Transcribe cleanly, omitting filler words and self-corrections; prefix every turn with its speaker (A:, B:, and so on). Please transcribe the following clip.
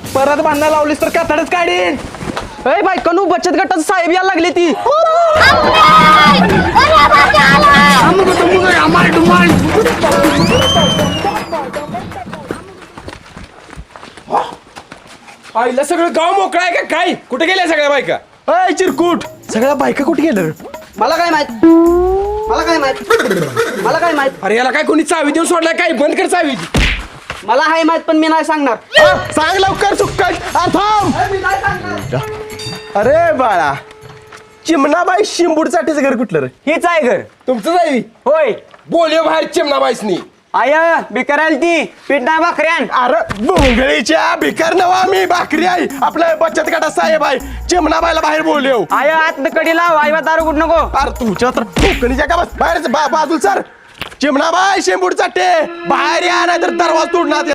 A: परत बांधायला लावलीस तर कातडच काढीन.
B: अय बायकांनो बचत गटाचं साहेब यायला लागले ती.
A: आईला सगळं गाव मोकळा आहे का काय? कुठे गेल्या सगळ्या बायका? अय चिरकुट, सगळ्या बायका कुठे गेलं?
B: मला काय माहित मला काय माहित
A: अरे याला काय कोणी चावी देऊन सोडलाय काय? बंद कर चावी.
B: मला हाय माहित पण मी नाही सांगणार.
A: सांग लवकर सुक्कट. थांब. अरे बाळा, चिमणाबाई शिंबूडसाठीच घर कुठलं रे?
B: हीच आहे घर.
A: तुमचं जावी
B: होय
A: बोलयो बाहेर चिमणाबाईसनी.
B: आय बिकारायला ती पीठ नाही भाकऱ्यान.
A: अरे भोंगळीच्या भिकार नवा मी भाकरी आहे. आपल्या बचत गटात साहेब आहे. चिमणाबाईला बाहेर बोलयो.
B: आय आत कडी लाव. आई दारू कुठ नको.
A: अरे तुझ्या तर कोकणीच्या का बस बाहेर बाजूला सर. चिमणाबाई शेंबूड चाटे बाहेर या, नाही तर दरवाजा तोडणार.